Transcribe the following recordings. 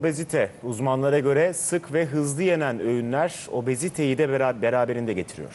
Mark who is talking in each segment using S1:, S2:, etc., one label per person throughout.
S1: Obezite uzmanlara göre sık ve hızlı yenen öğünler obeziteyi de beraberinde getiriyor.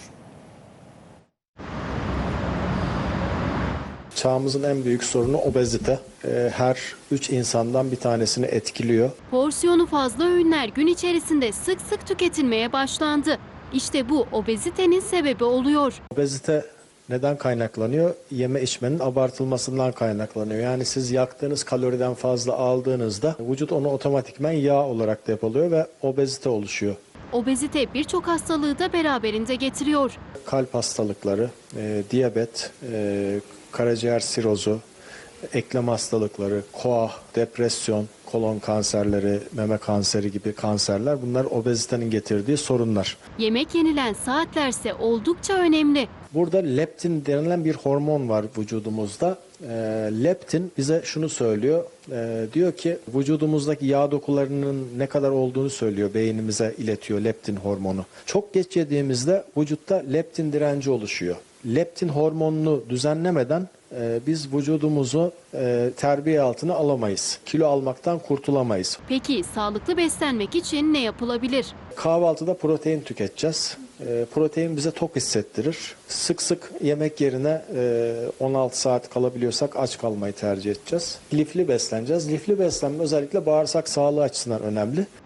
S2: Çağımızın en büyük sorunu obezite. Her 3 insandan bir tanesini etkiliyor.
S3: Porsiyonu fazla öğünler gün içerisinde sık sık tüketilmeye başlandı. İşte bu obezitenin sebebi oluyor.
S2: Obezite neden kaynaklanıyor? Yeme içmenin abartılmasından kaynaklanıyor. Yani siz yaktığınız kaloriden fazla aldığınızda vücut onu otomatikman yağ olarak depoluyor ve obezite oluşuyor.
S3: Obezite birçok hastalığı da beraberinde getiriyor.
S2: Kalp hastalıkları, diyabet, karaciğer sirozu, eklem hastalıkları, koah, depresyon, kolon kanserleri, meme kanseri gibi kanserler, bunlar obezitenin getirdiği sorunlar.
S3: Yemek yenilen saatlerse oldukça önemli.
S2: Burada leptin denilen bir hormon var vücudumuzda. Leptin bize şunu söylüyor. Diyor ki vücudumuzdaki yağ dokularının ne kadar olduğunu söylüyor. Beynimize iletiyor leptin hormonu. Çok geç yediğimizde vücutta leptin direnci oluşuyor. Leptin hormonunu düzenlemeden biz vücudumuzu terbiye altına alamayız. Kilo almaktan kurtulamayız.
S3: Peki sağlıklı beslenmek için ne yapılabilir?
S2: Kahvaltıda protein tüketeceğiz. Protein bize tok hissettirir. Sık sık yemek yerine 16 saat kalabiliyorsak aç kalmayı tercih edeceğiz. Lifli besleneceğiz. Lifli beslenme özellikle bağırsak sağlığı açısından önemli.